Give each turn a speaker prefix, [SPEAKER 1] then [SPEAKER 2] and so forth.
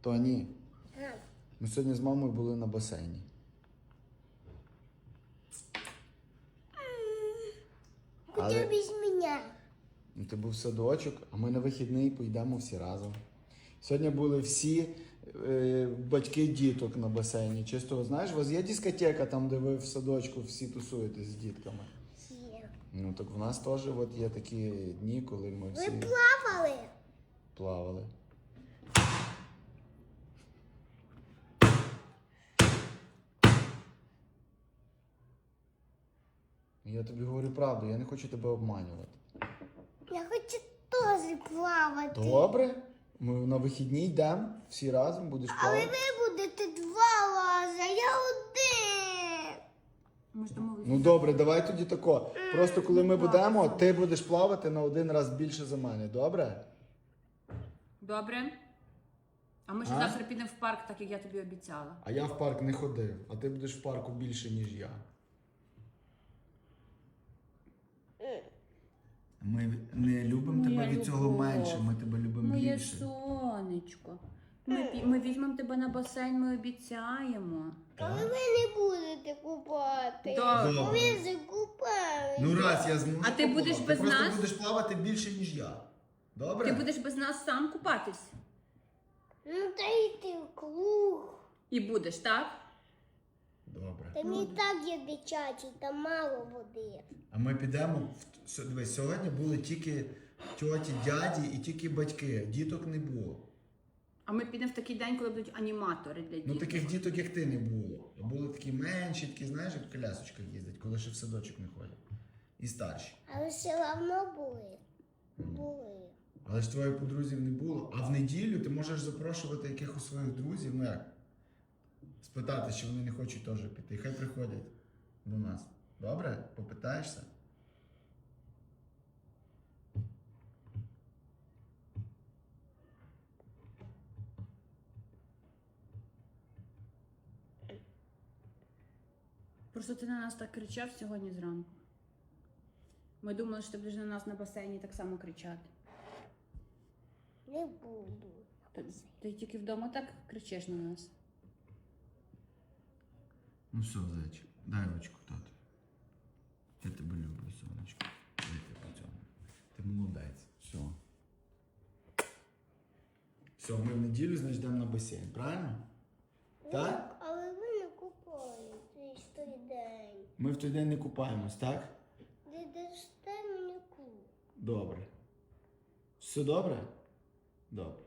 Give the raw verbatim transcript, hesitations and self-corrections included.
[SPEAKER 1] Тоні,
[SPEAKER 2] А,
[SPEAKER 1] ми сьогодні з мамою були на басейні.
[SPEAKER 2] Куди без мене?
[SPEAKER 1] Ну, ти був в садочок, а ми на вихідний поїдемо всі разом. Сьогодні були всі е, батьки діток на басейні. Чисто, знаєш, у вас є дискотека там, де ви в садочку всі тусуєтесь з дітками?
[SPEAKER 2] Є.
[SPEAKER 1] Ну так в нас теж от є такі дні, коли ми
[SPEAKER 2] Ви
[SPEAKER 1] всі
[SPEAKER 2] плавали?
[SPEAKER 1] плавали. Я тобі говорю правду, я не хочу тебе обманювати.
[SPEAKER 2] Я хочу теж плавати.
[SPEAKER 1] Добре, ми на вихідні йдемо, всі разом будеш
[SPEAKER 2] Але
[SPEAKER 1] плавати.
[SPEAKER 2] ви будете два рази, а я один.
[SPEAKER 3] Ми ж домовилися.
[SPEAKER 1] Ну добре, давай тоді тако. Просто коли ми будемо, ти будеш плавати на один раз більше за мене, добре?
[SPEAKER 3] Добре. А ми ще
[SPEAKER 1] А?
[SPEAKER 3] завтра підемо в парк, так як я тобі обіцяла.
[SPEAKER 1] А я в парк не ходив, а ти будеш в парку більше, ніж я. Ми не любимо
[SPEAKER 3] Моя
[SPEAKER 1] тебе від цього
[SPEAKER 3] любов.
[SPEAKER 1] менше, ми тебе любимо
[SPEAKER 3] Моє
[SPEAKER 1] більше.
[SPEAKER 3] сонечко. Ми, пі- ми візьмемо тебе на басейн, ми обіцяємо.
[SPEAKER 2] Але ви не будете купати.
[SPEAKER 3] Добре.
[SPEAKER 2] Ви закупали.
[SPEAKER 1] Ну раз я зможу.
[SPEAKER 3] А ти будеш
[SPEAKER 1] поплавати.
[SPEAKER 3] без
[SPEAKER 1] ти просто
[SPEAKER 3] нас?
[SPEAKER 1] будеш плавати більше, ніж я. Добре?
[SPEAKER 3] Ти будеш без нас сам купатись.
[SPEAKER 2] Ну та йти в круг.
[SPEAKER 3] І будеш, так?
[SPEAKER 1] Добре.
[SPEAKER 2] Там і так є дитячий, там мало води.
[SPEAKER 1] А ми підемо. в- с- Дивись, сьогодні були тільки тьоті, дяді і тільки батьки. Діток не було.
[SPEAKER 3] А ми підемо в такий день, коли будуть аніматори для дітей.
[SPEAKER 1] Ну таких діток, як ти, не було. А були такі менші, такі, знаєш, як в колясочках їздять, коли ще в садочок не ходять. І старші.
[SPEAKER 2] Але все одно були. Були.
[SPEAKER 1] Але ж твоїх подрузів не було. А в неділю ти можеш запрошувати якихось своїх друзів, ну як? Спитати, чи вони не хочуть теж піти. Хай приходять до нас. Добре? Попитаєшся?
[SPEAKER 3] Просто ти на нас так кричав сьогодні зранку. Ми думали, що ти будеш на нас на басейні так само кричати.
[SPEAKER 2] Не буду.
[SPEAKER 3] Ти, ти тільки вдома так кричиш на нас.
[SPEAKER 1] Ну все, зайчик, дай ручку, тату. Я тебе люблю, сонечко. Дай тебе по цьому. Ти молодець. Все. Все, ми в неділю, значить, йдемо на басейн, правильно? Так?
[SPEAKER 2] Але ви не купаєтесь в той день.
[SPEAKER 1] Ми в той день не купаємось, так?
[SPEAKER 2] Ви дасте мені круг.
[SPEAKER 1] Добре. Все добре? Добре.